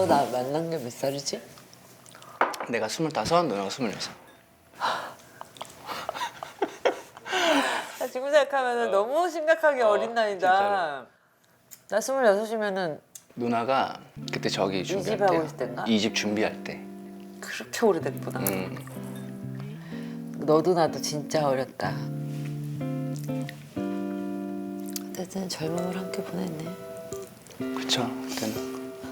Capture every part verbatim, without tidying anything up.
너 나 만난 게 몇 살이지? 내가 스물다섯, 누나가 스물여섯. 나 지금 생각하면 너무 심각하게 어, 어, 린 나이다. 나 스물여섯이면은 누나가 그때 저기 준비할 이집하고 때. 있을 땐가? 이집 준비할 때. 그렇게 오래됐구나. 음. 너도 나도 진짜 어렸다. 어쨌든 젊음을 함께 보냈네. 그쵸, 그때는.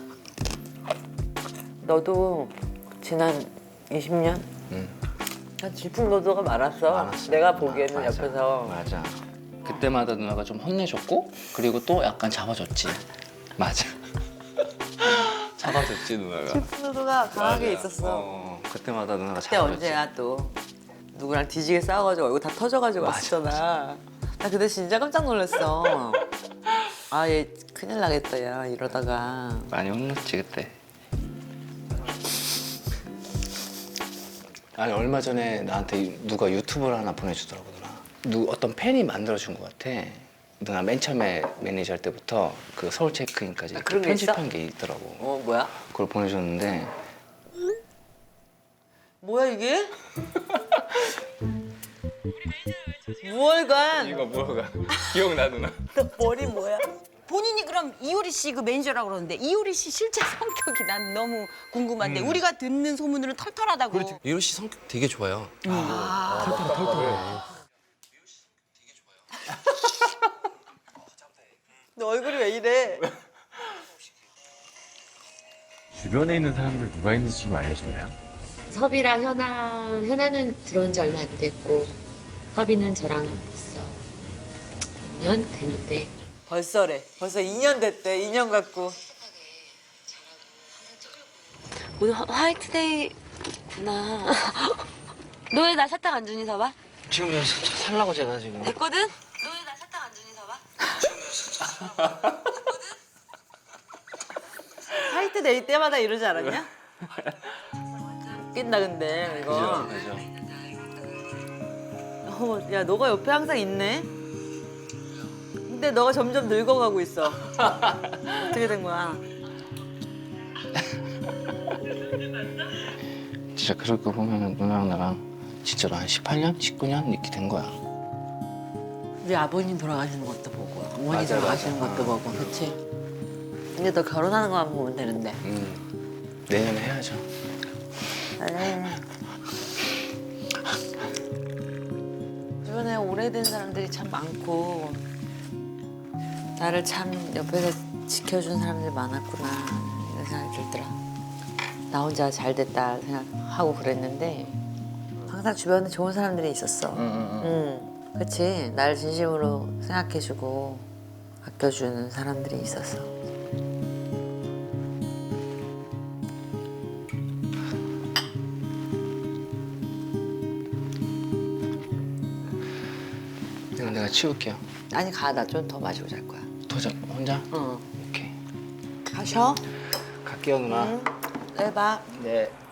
너도 지난 이십 년? 음. 난 질풍노도가 많았어. 많았어. 내가 보기에는 맞아, 옆에서. 맞아. 그때마다 누나가 좀 혼내줬고 그리고 또 약간 잡아줬지. 맞아. 잡아줬지 누나가. 질풍노도가 강하게 맞아. 있었어. 어, 그때마다 누나가 그때 잡아줬지. 언제야 또. 누구랑 뒤지게 싸워가지고 얼굴 다 터져가지고 맞아, 왔었잖아. 나 그때 진짜 깜짝 놀랐어. 아, 얘 큰일 나겠다, 야, 이러다가. 많이 혼났지 그때. 아니 얼마 전에 나한테 누가 유튜브를 하나 보내주더라고 누나. 누 어떤 팬이 만들어준 것 같아. 누나 맨 처음에 매니저 할 때부터 그 서울 체크인까지 아, 그런 게 편집한 있어? 게 있더라고. 어, 뭐야? 그걸 보내줬는데 뭐야, 이게? 무얼간? 이거 뭐가 기억나 누나? 너 머리 뭐야? 본인이 그럼 이효리 씨 그 매니저라고 그러는데 이효리 씨 실제 성격이 난 너무 궁금한데 음. 우리가 듣는 소문으로는 털털하다고. 이효리 씨 성격 되게 좋아요. 너 얼굴이 왜 이래? 주변에 있는 사람들 누가 있는지 좀 알려줄래요? 섭이랑 현아, 현아는 들어온 지 얼마 안 됐고 섭이는 저랑 있어. 이 년 됐는데 벌써래. 벌써 이 년 됐대. 이 년 갖고. 오늘 화, 화이트데이구나. 너 왜 나 사탕 안 주니 서봐? 지금 살라고 제가 지금. 됐거든? 너 왜 나 사탕 안 주니 서봐? 화이트데이 때마다 이러지 않았냐? 웃긴다, 근데, 이거. 그죠. 어, 야, 너가 옆에 항상 있네? 근데 너가 점점 늙어가고 있어. 어떻게 된 거야? 진짜 그럴 거 보면 누나랑 나랑 진짜로 한 십팔 년, 십구 년 이렇게 된 거야. 우리 아버님 돌아가시는 것도 보고, 어머니 맞아, 돌아가시는 맞아. 것도 보고, 그치? 근데 너 결혼하는 거만 보면 되는데. 음. 내년에 해야죠. 그래. 주변에 오래된 사람들이 참 많고 나를 참 옆에서 지켜준 사람들이 많았구나 이런 생각이 들더라. 나 혼자 잘 됐다 생각하고 그랬는데 항상 주변에 좋은 사람들이 있었어. 응, 응, 응. 응, 그치? 나를 진심으로 생각해주고 아껴주는 사람들이 있었어. 이건 내가 치울게요. 아니 가, 나 좀 더 마시고 잘 거야. 도저 혼자? 응. 오케이. 가셔. 갈게요 누나. 응. 네, 봐. 네.